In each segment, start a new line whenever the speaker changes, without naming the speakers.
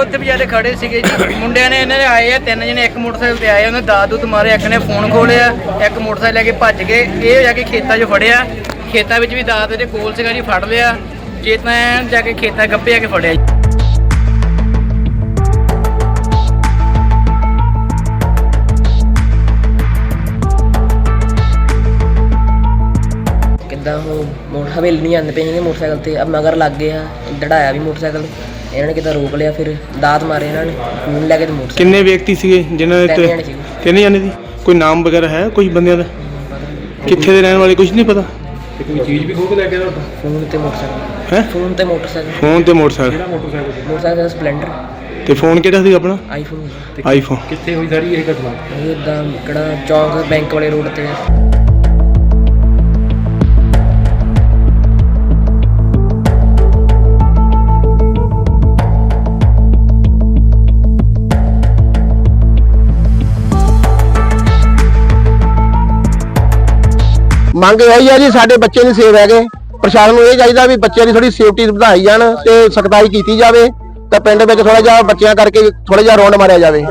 ਉੱਥੇ ਵਿਚਾਰੇ ਖੜੇ ਸੀਗੇ ਜੀ। ਮੁੰਡਿਆਂ ਨੇ ਇਹਨਾਂ ਦੇ ਆਏ ਆ 3 ਜਣੇ, ਇੱਕ ਮੋਟਰਸਾਈਕਲ ਤੇ ਆਏ, ਉਹਨੇ ਦਾਦੂ ਤੇ ਮਾਰੇ, ਇੱਕ ਨੇ ਫੋਨ ਖੋਲਿਆ, ਇੱਕ ਮੋਟਰਸਾਈਕਲ ਲੈ ਕੇ ਭੱਜ ਗਏ। ਇਹ ਜਾ ਕੇ ਖੇਤਾਂ 'ਚ ਫੜਿਆ, ਖੇਤਾਂ ਵਿੱਚ ਵੀ ਦਾਦ ਦੇ ਕੋਲ ਸੀਗਾ ਜੀ, ਫੜ ਲਿਆ। ਜੇ ਤਾਂ ਜਾ ਕੇ ਖੇਤਾਂ ਗੱਭੇ ਆ ਕੇ ਫੜਿਆ ਜੀ।
ਕਿੱਦਾਂ ਉਹ ਹਵੇਲੀ ਨਹੀਂ ਆਉਂਦੇ ਪਏ ਸੀਗੇ ਮੋਟਰਸਾਈਕਲ ਤੇ, ਅਬ ਮਗਰ ਲੱਗ ਗਏ ਆ, ਦੜਾਇਆ ਵੀ ਮੋਟਰਸਾਈਕਲ, ਇਹਨਾਂ ਨੇ ਕਿੱਦਾਂ ਰੋਕ ਲਿਆ, ਫਿਰ ਦਾਤ ਮਾਰੇ ਇਹਨਾਂ ਨੇ, ਫੋਨ ਲੈ ਕੇ ਤੇ ਮੋਟਰਸਾਈਕਲ।
ਕਿੰਨੇ ਵਿਅਕਤੀ ਸੀਗੇ ਜਿਨ੍ਹਾਂ ਦੇ
3 ਜਣੇ ਸੀਗੇ।
3 ਜਣੇ ਦੀ ਕੋਈ ਨਾਮ ਵਗੈਰਾ ਹੈ ਕੋਈ ਬੰਦਿਆਂ ਦਾ? ਕਿੱਥੇ ਦੇ ਰਹਿਣ ਵਾਲੇ ਕੁਝ ਨਹੀਂ ਪਤਾ?
ਤੇ ਕੋਈ ਚੀਜ਼ ਵੀ ਖੋਹ ਕੇ ਲੈ ਗਿਆ ਤੁਹਾਡਾ?
ਫੋਨ ਤੇ ਮੋਟਰਸਾਈਕਲ।
ਹੈ
ਫੋਨ ਤੇ ਮੋਟਰਸਾਈਕਲ।
ਫੋਨ ਤੇ ਮੋਟਰਸਾਈਕਲ।
ਕਿਹੜਾ ਮੋਟਰਸਾਈਕਲ?
Motorcycle Splendor.
ਤੇ ਫੋਨ ਕਿਹੜਾ ਸੀ ਆਪਣਾ?
ਆਈਫੋਨ।
ਆਈਫੋਨ।
ਕਿੱਥੇ ਹੋਈ ਸਾਰੀ ਇਹ ਘਟਨਾ?
ਇਹ ਇੱਦਾਂ ਕਿਹੜਾ ਚੌਂਕ ਬੈਂਕ ਵਾਲੇ ਰੋਡ ਤੇ।
ਮੰਗ ਇਹੀ ਆ ਜੀ, ਸਾਡੇ ਬੱਚੇ ਨਹੀਂ ਸੇਫ ਹੈਗੇ। ਪ੍ਰਸ਼ਾਸਨ ਨੂੰ ਇਹ ਚਾਹੀਦਾ ਵੀ ਬੱਚਿਆਂ ਦੀ ਥੋੜੀ ਸੇਫਟੀ ਵਧਾਈ ਜਾਣ ਤੇ ਸਖਤਾਈ ਕੀਤੀ ਜਾਵੇ ਤਾਂ ਪਿੰਡ ਵਿੱਚ ਥੋੜਾ ਜਿਹਾ ਬੱਚਿਆਂ ਕਰਕੇ ਥੋੜਾ ਜਿਹਾ ਰੌਂਡ ਮਾਰਿਆ ਜਾਵੇ।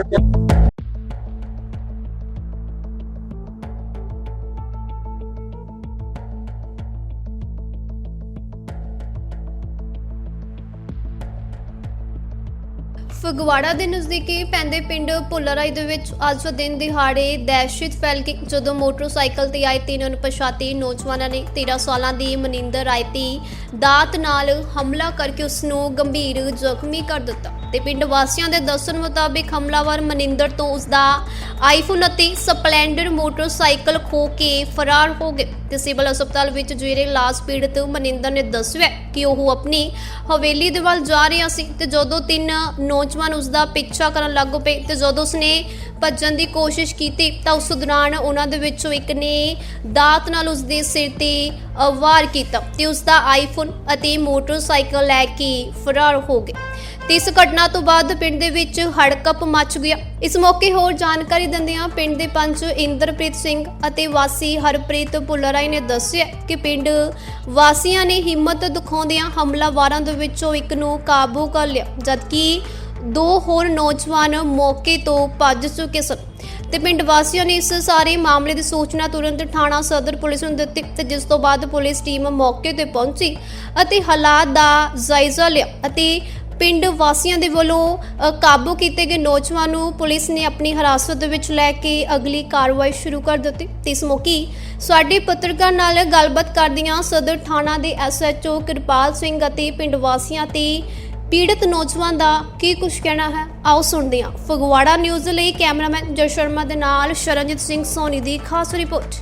ਫਗਵਾੜਾ ਦੇ ਨਜ਼ਦੀਕੀ ਪੈਂਦੇ ਪਿੰਡ ਭੁੱਲਰਾਈ ਦੇ ਵਿੱਚ ਅੱਜ ਦਿਨ ਦਿਹਾੜੇ ਦਹਿਸ਼ਤ ਫੈਲ ਗਈ ਜਦੋਂ ਮੋਟਰਸਾਈਕਲ ਤੇ ਆਏ 3 ਅਣਪਛਾਤੇ ਨੌਜਵਾਨਾਂ ਨੇ 13 ਸਾਲਾਂ ਦੀ ਮਨਿੰਦਰ ਰਾਇਤੀ ਦਾਤ ਨਾਲ ਹਮਲਾ ਕਰਕੇ ਉਸ ਨੂੰ ਗੰਭੀਰ ਜ਼ਖਮੀ ਕਰ ਦਿੱਤਾ ਤੇ ਪਿੰਡ ਵਾਸੀਆਂ ਦੇ ਦੱਸਣ ਮੁਤਾਬਿਕ ਹਮਲਾਵਰ ਮਨਿੰਦਰ ਤੋਂ ਉਸ ਦਾ ਆਈਫੋਨ ਅਤੇ ਸਪਲੈਂਡਰ ਮੋਟਰਸਾਈਕਲ ਖੋਹ ਕੇ ਫਰਾਰ ਹੋ ਗਏ ਤੇ ਸਿਵਲ ਹਸਪਤਾਲ ਵਿੱਚ ਜੇਰੇ ਇਲਾਜ ਪੀੜਤ ਮਨਿੰਦਰ ਨੇ ਦੱਸਿਆ ਕਿ ਉਹ ਆਪਣੀ ਹਵੇਲੀ ਦੇ ਵੱਲ ਜਾ ਰਿਹਾ ਸੀ ਤੇ ਜਦੋਂ 3 ਨੌਜਵਾਨ ਉਸ ਦਾ ਪਿੱਛਾ ਕਰਨ ਲੱਗ ਪਏ ਤੇ ਜਦੋਂ ਉਸਨੇ ਭੱਜਣ ਦੀ ਕੋਸ਼ਿਸ਼ ਕੀਤੀ ਤਾਂ ਉਸ ਦੌਰਾਨ ਉਹਨਾਂ ਦੇ ਵਿੱਚੋਂ ਇੱਕ ਨੇ ਦਾਤ ਨਾਲ ਉਸ ਦੇ ਸਿਰ ਤੇ ਵਾਰ ਕੀਤਾ ਤੇ ਉਸ ਦਾ ਆਈਫੋਨ ਅਤੇ ਮੋਟਰਸਾਈਕਲ ਲੈ ਕੇ ਫਰਾਰ ਹੋ ਗਏ। ਤੇ ਇਸ ਘਟਨਾ ਤੋਂ ਬਾਅਦ ਪਿੰਡ ਦੇ ਵਿੱਚ ਹੜਕੰਪ ਮਚ ਗਿਆ। ਇਸ ਮੌਕੇ ਹੋਰ ਜਾਣਕਾਰੀ ਦਿੰਦਿਆਂ ਪਿੰਡ ਦੇ ਪੰਚ ਇੰਦਰਪ੍ਰੀਤ ਸਿੰਘ ਅਤੇ ਵਾਸੀ ਹਰਪ੍ਰੀਤ ਭੁੱਲਰਾਈ ਨੇ ਦੱਸਿਆ ਕਿ ਪਿੰਡ ਵਾਸੀਆਂ ਨੇ ਹਿੰਮਤ ਦਿਖਾਉਂਦਿਆਂ ਹਮਲਾਵਰਾਂ ਦੇ ਵਿੱਚੋਂ ਇੱਕ ਨੂੰ ਕਾਬੂ ਕਰ ਲਿਆ ਜਦਕਿ 2 ਹੋਰ ਨੌਜਵਾਨ ਮੌਕੇ ਤੋਂ ਭੱਜ ਚੁੱਕੇ ਸਨ ਤੇ ਪਿੰਡ ਵਾਸੀਆਂ ਨੇ ਇਸ ਸਾਰੇ ਮਾਮਲੇ ਦੀ ਸੂਚਨਾ ਤੁਰੰਤ ਥਾਣਾ ਸਦਰ ਪੁਲਿਸ ਨੂੰ ਦਿੱਤੀ ਤੇ ਜਿਸ ਤੋਂ ਬਾਅਦ ਪੁਲਿਸ ਟੀਮ ਮੌਕੇ ਤੇ ਪਹੁੰਚੀ ਅਤੇ ਹਾਲਾਤ ਦਾ ਜਾਇਜ਼ਾ ਲਿਆ ਅਤੇ ਪਿੰਡ ਵਾਸੀਆਂ ਦੇ ਵੱਲੋਂ ਕਾਬੂ ਕੀਤੇ ਗਏ ਨੌਜਵਾਨ ਨੂੰ ਪੁਲਿਸ ਨੇ ਆਪਣੀ ਹਿਰਾਸਤ ਦੇ ਵਿੱਚ ਲੈ ਕੇ ਅਗਲੀ ਕਾਰਵਾਈ ਸ਼ੁਰੂ ਕਰ ਦਿੱਤੀ ਤੇ ਇਸ ਮੌਕੇ ਸਾਡੇ ਪੱਤਰਕਾਰ ਨਾਲ ਗੱਲਬਾਤ ਕਰਦਿਆਂ ਸਦਰ ਥਾਣਾ ਦੇ SHO ਕਿਰਪਾਲ ਸਿੰਘ ਅਤੇ ਪਿੰਡ ਵਾਸੀਆਂ ਤੇ ਪੀੜਤ ਨੌਜਵਾਨ ਦਾ ਕੀ ਕੁਝ ਕਹਿਣਾ ਹੈ ਆਓ ਸੁਣਦੇ ਹਾਂ। ਫਗਵਾੜਾ ਨਿਊਜ਼ ਲਈ ਕੈਮਰਾਮੈਨ ਜੈ ਸ਼ਰਮਾ ਦੇ ਨਾਲ ਸ਼ਰਨਜੀਤ ਸਿੰਘ ਸੋਨੀ ਦੀ ਖਾਸ ਰਿਪੋਰਟ।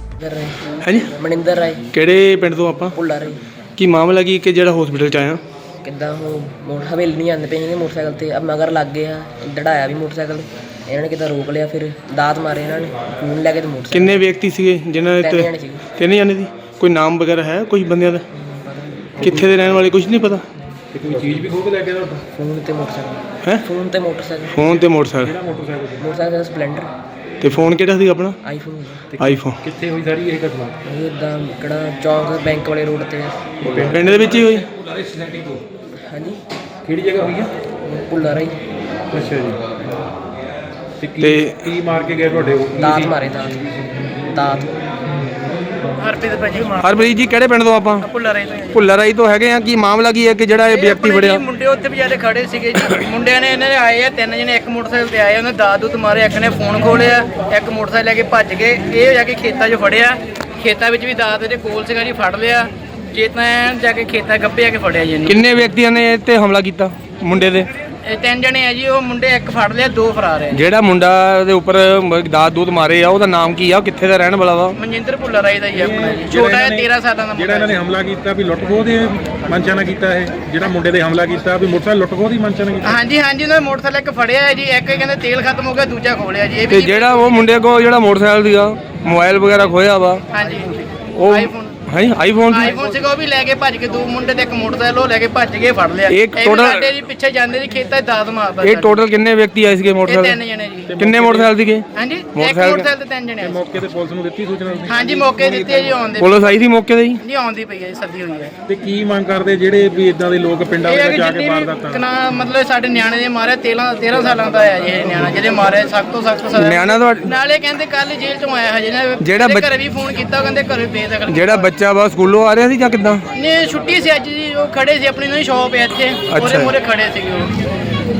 ਹੈ ਜੀ
ਮਨਿੰਦਰ ਰਾਏ।
ਕਿਹੜੇ ਪਿੰਡ ਤੋਂ ਆਪਾਂ?
ਭੁੱਲਰਾਈ।
ਕੀ ਮਾਮਲਾ ਕੀ ਕਿ ਜਿਹੜਾ ਹਸਪੀਟਲ 'ਚ ਆਇਆ?
ਕਿੱਦਾਂ ਉਹ ਹਵੇਲੀ ਨਹੀਂ ਆਉਂਦੇ ਪਏ ਸੀਗੇ ਮੋਟਰਸਾਈਕਲ ਤੇ, ਅਬ ਮਗਰ ਲੱਗ ਗਏ ਆ, ਦੜਾਇਆ ਵੀ ਮੋਟਰਸਾਈਕਲ, ਇਹਨਾਂ ਨੇ ਕਿੱਦਾਂ ਰੋਕ ਲਿਆ, ਫਿਰ ਦਾਤ ਮਾਰੇ ਇਹਨਾਂ ਨੇ, ਫੋਨ ਲੈ ਕੇ ਤੇ ਮੋਟਰਸਾਈਕਲ।
ਕਿੰਨੇ ਵਿਅਕਤੀ ਸੀਗੇ ਜਿਨ੍ਹਾਂ ਦੇ
3 ਜਣੇ ਸੀਗੇ।
3 ਜਣੇ ਦੀ ਕੋਈ ਨਾਮ ਵਗੈਰਾ ਹੈ ਕੋਈ ਬੰਦਿਆਂ ਦਾ? ਕਿੱਥੇ ਦੇ ਰਹਿਣ ਵਾਲੇ ਕੁਝ ਨਹੀਂ ਪਤਾ?
ਤੇ ਕੋਈ ਚੀਜ਼ ਵੀ ਖੋਹ ਕੇ ਲੈ ਗਿਆ ਤੁਹਾਡਾ?
ਫੋਨ ਤੇ ਮੋਟਰਸਾਈਕਲ।
ਹੈ
ਫੋਨ ਤੇ ਮੋਟਰਸਾਈਕਲ।
ਫੋਨ ਤੇ ਮੋਟਰਸਾਈਕਲ।
ਕਿਹੜਾ ਮੋਟਰਸਾਈਕਲ?
Motorcycle Splendor.
ਤੇ ਫੋਨ ਕਿਹੜਾ ਸੀ ਆਪਣਾ?
ਆਈਫੋਨ।
ਆਈਫੋਨ।
ਕਿੱਥੇ ਹੋਈ ਸਾਰੀ ਇਹ ਘਟਨਾ?
ਇਹ ਇੱਦਾਂ ਕਿਹੜਾ ਚੌਂਕ ਬੈਂਕ ਵਾਲੇ ਰੋਡ ਤੇ।
ਪਿੰਡ ਦੇ ਵਿੱਚ ਹੀ ਹੋਈ?
ਹਾਂਜੀ।
ਕਿਹੜੀ ਜਗ੍ਹਾ ਹੋਈ ਆ?
ਭੁੱਲਰਾਈ।
ਅੱਛਾ ਜੀ। ਤੇ
ਤੇ-
ਕੀ ਮਾਰ ਕੇ ਗਏ ਤੁਹਾਡੇ?
ਦਾਤ ਮਾਰੇ ਦਾਤ।
ਹਰਪ੍ਰੀਤ ਭਾਜੀ
ਹਰਪ੍ਰੀਤ ਜੀ ਕਿਹੜੇ ਪਿੰਡ ਤੋਂ ਆਪਾਂ?
ਭੁੱਲਰਾਈ ਤੋਂ ਜੀ।
ਭੁੱਲਰਾਈ ਤੋਂ ਹੈਗੇ ਆ। ਕੀ ਮਾਮਲਾ ਕੀ ਹੈ ਕਿ ਜਿਹੜਾ ਇਹ ਵਿਅਕਤੀ
ਆਪਣੇ
ਫੜਿਆ?
ਜੀ ਮੁੰਡੇ ਉੱਥੇ ਵਿਚਾਰੇ ਖੜੇ ਸੀਗੇ ਜੀ। ਮੁੰਡਿਆਂ ਨੇ ਇਹਨਾਂ ਦੇ ਆਏ ਆ 3 ਜਣੇ, ਇੱਕ ਮੋਟਰਸਾਈਕਲ ਤੇ ਆਏ, ਉਹਨੇ ਦਾਦੂ ਤੇ ਮਾਰੇ, ਇੱਕ ਨੇ ਫੋਨ ਖੋਲਿਆ, ਇੱਕ ਮੋਟਰਸਾਈਕਲ ਲੈ ਕੇ ਭੱਜ ਗਏ। ਇਹ ਜਾ ਕੇ ਖੇਤਾਂ 'ਚ ਫੜਿਆ, ਖੇਤਾਂ ਵਿੱਚ ਵੀ ਦਾਦ ਦੇ ਕੋਲ ਸੀਗਾ ਜੀ, ਫੜ ਲਿਆ। ਜੇ ਤਾਂ ਜਾ ਕੇ ਖੇਤਾਂ ਗੱਭੇ ਆ ਕੇ ਫੜਿਆ ਜੀ ਇਹਨੂੰ।
ਕਿੰਨੇ ਵਿਅਕਤੀਆਂ ਨੇ ਇਹ ਤੇ ਹਮਲਾ ਕੀਤਾ ਮੁੰਡੇ ਦੇ?
ਇਹ 3 ਜਣੇ ਆ ਜੀ। ਉਹ ਮੁੰਡੇ ਇੱਕ ਫੜ ਲਿਆ, 2 ਫਰਾਰ ਹੈ।
ਜਿਹੜਾ ਮੁੰਡਾ ਦੇ ਉੱਪਰ ਦਾਤ ਦੂਤ ਮਾਰੇ ਆ ਉਹਦਾ ਨਾਮ ਕੀ ਆ? ਉਹ ਕਿੱਥੇ ਦਾ ਰਹਿਣ ਵਾਲਾ ਵਾ?
ਮਨਜਿੰਦਰ ਭੁੱਲਰਾਈ ਦਾ ਹੀ ਆਪਣਾ ਜੀ। ਛੋਟਾ ਹੈ 13 ਸਾਲਾਂ ਦਾ
ਜਿਹੜਾ ਇਹਨਾਂ ਨੇ ਹਮਲਾ ਕੀਤਾ ਵੀ ਲੁੱਟ ਖੋਹ ਦੇ ਮਨਸ਼ਾ ਨਾਲ ਕੀਤਾ ਇਹ? ਜਿਹੜਾ ਮੁੰਡੇ ਦੇ ਹਮਲਾ ਕੀਤਾ ਵੀ ਮੋਟਰਸਾਈਕਲ ਲੁੱਟ ਖੋਹ ਦੀ ਮਨਸ਼ਾ ਨਾਲ ਕੀਤਾ?
ਹਾਂਜੀ ਉਹਨਾਂ ਨੇ ਮੋਟਰਸਾਈਕਲ ਇੱਕ ਫੜਿਆ ਹੈ ਜੀ, ਇੱਕ ਕਹਿੰਦੇ ਤੇਲ ਖਤਮ ਹੋ ਗਿਆ, ਦੂਜਾ ਖੋਲਿਆ ਜੀ। ਇਹ
ਤੇ
ਵੀ
ਜਿਹੜਾ ਉਹ ਮੁੰਡੇ ਕੋਲ ਜਿਹੜਾ ਮੋਟਰਸਾਈਕਲ ਸੀਗਾ ਮੋਬਾਈਲ ਵਗੈਰਾ ਖੋਇਆ ਵਾ
ਹਾਂਜੀ
ਉਹ
ਆਈਫੋਨ
ਹਾਂਜੀ ਆਈਫੋਨ ਸੀ
ਆਈਫੋਨ ਸੀਗਾ ਉਹ ਵੀ ਲੈ ਕੇ ਭੱਜ ਕੇ, ਦੋ ਮੁੰਡੇ ਤੇ ਇੱਕ ਮੋਟਰਸਾਈਕਲ ਉਹ ਲੈ ਕੇ ਭੱਜ ਕੇ ਫੜ ਲਿਆ।
ਇਹ
ਵੀ
total-
ਸਾਡੇ ਜੀ ਪਿੱਛੇ ਜਾਂਦੇ ਜੀ ਖੇਤਾਂ 'ਚ ਦਾਤ ਮਾਰਦਾ
ਇਹ
ਸਾਡੇ।
ਟੋਟਲ ਕਿੰਨੇ ਵਿਅਕਤੀ ਆਏ ਸੀਗੇ
ਇਹ
ਮੋਟਰਸਾਈਕਲ?
3 ਜਣੇ ਜੀ।
ਕਿੰਨੇ ਮੋਟਰਸਾਈਕਲ ਸੀਗੇ?
ਹਾਂਜੀ ਇੱਕ
ਮੋਟਰਸਾਈਕਲ-
ਮੋਟਰਸਾਈਕਲ ਤੇ 3 ਜਣੇ ਆਏ ਸੀ।
ਮੌਕੇ ਤੇ ਪੁਲਿਸ ਨੂੰ ਦਿੱਤੀ ਸੂਚਨਾ ਤੁਸੀਂ?
ਹਾਂਜੀ ਮੌਕੇ ਦਿੱਤੀ ਹੈ ਜੀ, ਆਉਂਦੇ
ਪੁਲਿਸ ਆਈ ਸੀ ਮੌਕੇ ਤੇ ਜੀ?
ਨਹੀਂ ਆਉਂਦੀ ਪਈ ਹੈ ਜੀ, ਸੱਦੀ ਹੋਈ ਹੈ।
ਤੇ ਕੀ ਮੰਗ ਕਰਦੇ ਜਿਹੜੇ ਵੀ ਇਦਾਂ ਦੇ ਲੋਕ ਪਿੰਡਾਂ
ਇਹ ਹੈ
ਵਿੱਚ
ਕਿ
ਜਾ ਕੇ
ਜਿੰਨੀ
ਵਾਰਦਾਤਾਂ?
ਵੀ ਨਾ ਮਤਲਬ ਸਾਡੇ ਨਿਆਣੇ ਦੇ ਮਾਰਿਆ 13 ਸਾਲਾਂ ਦਾ ਹੈ ਜੀ ਇਹ ਨਿਆਣਾ, ਜਿਹਦੇ ਮਾਰਿਆ ਸਖਤ ਤੋਂ ਸਖਤ ਸਜ਼ਾ।
ਨਿਆਣਾ ਤੁਹਾਡਾ
ਨਾਲੇ ਕਹਿੰਦੇ ਕੱਲ ਜੇਲ੍ਹ ਚੋਂ ਆਇਆ ਹਜੇ ਨਾ,
ਜਿਹੜਾ
ਇਹਦੇ
ਬੱਚ-
ਘਰੇ ਵੀ ਫੋਨ ਕੀਤਾ, ਕਹਿੰਦੇ ਘਰੇ ਬੇਦਖਲ
ਜਿਹੜਾ ਬੱਚਾ ਵਾ ਸਕੂਲੋਂ ਆ ਰਿਹਾ ਸੀ ਜਾਂ ਕਿੱਦਾਂ?
ਨੇ ਛੁੱਟੀ ਸੀ ਅੱਜ ਜੀ, ਉਹ ਖੜੇ ਸੀ ਆਪਣੀ ਨਵੀਂ ਸ਼ਾਪ ਹੈ ਇੱਥੇ, ਉਹਦੇ ਮੂਹਰੇ ਖੜੇ ਸੀਗੇ ਉਹ।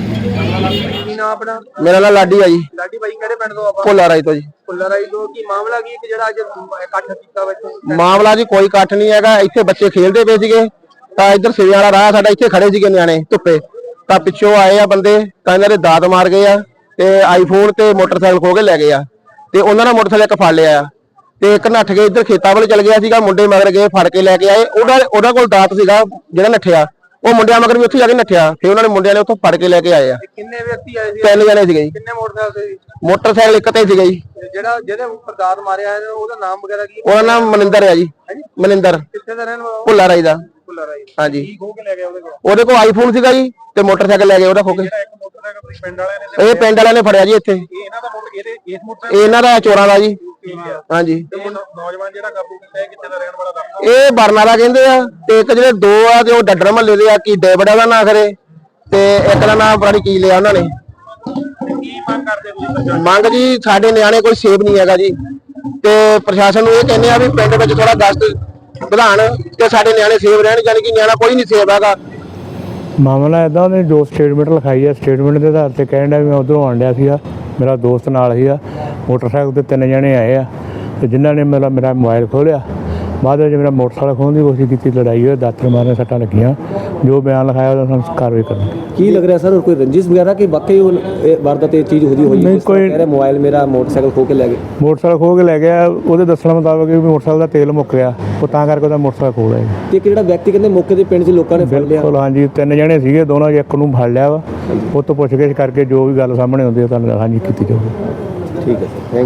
ਮੇਰਾ ਨਾਮ ਲਾਡੀ ਆ ਜੀ।
ਲਾਡੀ ਬਾਈ ਕਿਹੜੇ ਪਿੰਡ ਤੋਂ ਆਪਾਂ?
ਭੋਲਾ ਰਾਈ ਤੋਂ ਜੀ।
ਫੁੱਲਾ ਰਾਈ ਤੋਂ। ਕੀ ਮਾਮਲਾ ਕੀ ਕਿ ਜਿਹੜਾ ਅੱਜ ਇਕੱਠ ਕੀਤਾ ਵਿੱਚ?
ਮਾਮਲਾ ਜੀ ਕੋਈ ਇਕੱਠ ਨਹੀਂ ਹੈਗਾ, ਇੱਥੇ ਬੱਚੇ ਖੇਡਦੇ ਪਏ ਸੀਗੇ ਤਾਂ ਇੱਧਰ ਸਿਰੇ ਵਾਲਾ ਰਾਹ ਸਾਡਾ, ਇੱਥੇ ਖੜੇ ਸੀਗੇ ਨਿਆਣੇ ਧੁੱਪੇ, ਤਾਂ ਪਿੱਛੋਂ ਆਏ ਆ ਬੰਦੇ, ਤਾਂ ਇਹਨਾਂ ਦੇ ਦਾਤ ਮਾਰ ਗਏ ਆ ਤੇ ਆਈਫੋਨ ਤੇ ਮੋਟਰਸਾਈਕਲ ਖੋ ਕੇ ਲੈ ਗਏ ਆ ਤੇ ਉਹਨਾਂ ਨੇ ਮੋਟਰਸਾਈਕਲ ਇੱਕ ਫੜ ਲਿਆ ਆ ਤੇ ਇੱਕ ਨੱਠ ਕੇ ਇੱਧਰ ਖੇਤਾਂ ਵੱਲ ਚਲ ਗਿਆ ਸੀਗਾ, ਮੁੰਡੇ ਮਗਰ ਗਏ ਫੜ ਕੇ ਲੈ ਕੇ ਆਏ। ਉਹਦਾ ਕੋਲ ਦਾਤ ਸੀਗਾ ਜਿਹੜਾ ਨੱਠਿਆ, ਉਹ ਮੁੰਡਿਆਂ ਮਗਰ ਵੀ ਉੱਥੇ ਜਾ ਕੇ ਨੱਠਿਆ, ਫਿਰ ਉਹਨਾਂ ਨੇ ਮੁੰਡਿਆਂ ਨੇ ਉੱਥੋਂ ਫੜ ਕੇ ਲੈ ਕੇ ਆਏ ਆ।
ਕਿੰਨੇ ਵਿਅਕਤੀ ਆਏ ਸੀ?
3 ਜਣੇ ਸੀਗੇ ਜੀ।
ਕਿੰਨੇ ਮੋਟਰਸਾਈਕਲ ਸੀ?
ਮੋਟਰਸਾਈਕਲ ਇੱਕ ਤੇ ਸੀਗਾ ਜੀ।
ਤੇ ਜਿਹੜਾ ਜਿਹਦੇ ਉੱਪਰ ਦਾਤ ਮਾਰਿਆ ਹੈ ਉਹਦਾ ਨਾਮ ਵਗੈਰਾ ਕੀ?
ਉਹਦਾ ਨਾਮ ਮਨਿੰਦਰ ਆ ਜੀ। ਮਨਿੰਦਰ
ਕਿੱਥੇ ਦਾ ਰਹਿਣ ਵਾਲਾ?
ਭੁੱਲਾ ਰਾਈ ਦਾ।
ਫੁੱਲਾ ਰਾਈ।
ਹਾਂਜੀ।
ਕੀ ਖੋ ਕੇ ਲੈ ਗਿਆ ਉਹਦੇ ਕੋਲ?
ਉਹਦੇ ਕੋਲ ਆਈਫੋਨ ਸੀਗਾ ਜੀ ਤੇ ਮੋਟਰਸਾਈਕਲ ਲੈ ਗਏ ਉਹਦਾ ਖੋ ਕੇ।
ਜਿਹੜਾ ਇੱਕ ਮੋਟਰਸਾਈਕਲ ਤੁਸੀਂ ਪਿੰਡ ਵਾਲਿਆਂ ਨੇ
ਇਹ ਪਿੰਡ ਵਾਲਿਆਂ ਨੇ ਫੜਿਆ ਜੀ ਇੱਥੇ।
ਇਹ ਇਹਨਾਂ ਦਾ ਇਸ ਮੋਟਰਸਾਈਕਲ
ਇਹਨਾਂ ਦਾ ਚੋਰਾਂ ਦਾ ਜੀ।
ਠੀਕ ਹੈ।
ਹਾਂਜੀ।
ਤੇ ਨੌਜਵਾਨ ਜਿਹੜਾ ਕਾਬੂ ਕੀਤਾ ਹੈ ਕਿੱਥੇ ਦਾ ਰਹਿਣ ਵਾਲਾ ਦੱਸੋ?
ਇਹ ਬਰਨਾਲਾ ਕਹਿੰਦੇ ਆ ਤੇ ਇੱਕ ਜਿਹੜੇ ਦੋ ਆ ਤੇ ਉਹ ਡੱਡਰ ਮਹੱਲੇ ਦੇ ਆ, ਕੀ ਡੇਵੜਾ ਦਾ ਨਾਂ ਖਰੇ ਤੇ ਇੱਕ ਦਾ ਨਾਂ ਪਤਾ ਨੀ ਕੀ ਲਿਆ ਉਹਨਾਂ ਨੇ।
ਕੀ ਮੰਗ ਕਰਦੇ ਤੁਸੀਂ?
ਮੰਗ ਜੀ ਸਾਡੇ ਨਿਆਣੇ ਕੋਈ ਸੇਫ ਨਹੀਂ ਹੈਗਾ ਜੀ ਤੇ ਪ੍ਰਸ਼ਾਸਨ ਨੂੰ ਇਹ ਕਹਿੰਦੇ ਆ ਵੀ ਪਿੰਡ ਵਿੱਚ ਥੋੜਾ ਗਸ਼ਤ ਵਧਾਣ ਤੇ ਸਾਡੇ ਨਿਆਣੇ ਸੇਫ ਰਹਿਣ, ਯਾਨੀ ਕਿ ਨਿਆਣਾ ਕੋਈ ਨਹੀਂ ਸੇਫ ਹੈਗਾ।
ਮਾਮਲਾ ਇਦਾਂ, ਉਹਨੇ ਜੋ ਸਟੇਟਮੈਂਟ ਲਿਖਾਈ ਹੈ, ਸਟੇਟਮੈਂਟ ਦੇ ਆਧਾਰ ਤੇ ਕਹਿਣ ਡਿਆ ਵੀ ਮੈਂ ਉੱਧਰੋਂ ਆਉਣ ਡਿਆ ਸੀਗਾ, ਮੇਰਾ ਦੋਸਤ ਨਾਲ ਸੀਗਾ, ਮੋਟਰਸਾਈਕਲ ਤੇ 3 ਜਣੇ ਆਏ ਆ ਤੇ ਜਿਨ੍ਹਾਂ ਨੇ ਮੇਰਾ ਮੋਬਾਈਲ ਖੋਲਿਆ, ਬਾਅਦ ਵਿੱਚ ਮੇਰਾ ਮੋਟਰਸਾਈਕਲ ਖੋਹਣ ਦੀ ਕੋਸ਼ਿਸ਼ ਕੀਤੀ, ਲੜਾਈ ਹੋਈ, ਦਾਤਰ ਮਾਰਨ ਸੱਟਾਂ ਲੱਗੀਆਂ। ਜੋ ਬਿਆਨ ਲਿਖਾਇਆ ਉਹਦਾ ਸਾਨੂੰ ਕਾਰਵਾਈ ਕਰਨੀ।
ਕੀ ਲੱਗ ਰਿਹਾ ਸਰ, ਕੋਈ ਰੰਜਿਸ਼ ਵਗੈਰਾ ਕਿ ਵਾਕਈ ਉਹ ਵਾਰਦਾਤ ਇਹ ਚੀਜ਼ ਹੋਈ
ਨਹੀਂ,
ਹੈ?
ਕੋਈ-
ਕਹਿ ਰਿਹਾ ਮੋਬਾਈਲ ਮੇਰਾ ਮੋਟਰਸਾਈਕਲ ਖੋ ਕੇ ਲੈ ਗਏ।
ਮੋਟਰਸਾਈਕਲ ਖੋਹ ਕੇ ਲੈ ਗਿਆ, ਉਹਦੇ ਦੱਸਣ ਮੁਤਾਬਕ ਵੀ ਮੋਟਰਸਾਈਕਲ ਦਾ ਤੇਲ ਮੁੱਕ ਗਿਆ, ਉਹ ਤਾਂ ਕਰਕੇ ਉਹਦਾ ਮੋਟਰਸਾਈਕਲ ਖੋਹ ਲਿਆ।
ਤੇ ਇੱਕ ਜਿਹੜਾ ਵਿਅਕਤੀ ਕਹਿੰਦੇ ਮੌਕੇ ਦੇ ਪਿੰਡ 'ਚ ਲੋਕਾਂ ਨੇ ਫੜ ਲਿਆ।
ਬਿਲਕੁਲ ਹਾਂਜੀ, 3 ਜਣੇ ਸੀਗੇ, ਦੋਨਾਂ 'ਚ ਇੱਕ ਨੂੰ ਫੜ ਲਿਆ ਵਾ, ਉਹ ਤੋਂ ਪੁੱਛਗਿੱਛ ਕਰਕੇ ਜੋ ਵੀ ਗੱਲ ਸਾਹਮਣੇ ਆਉਂਦੀ ਹੈ ਤੁਹਾਨੂੰ ਹਾਂਜੀ ਕੀਤੀ ਜਾਊਗੀ।
ਠੀਕ ਹੈ ਸਰ, ਥੈਂਕ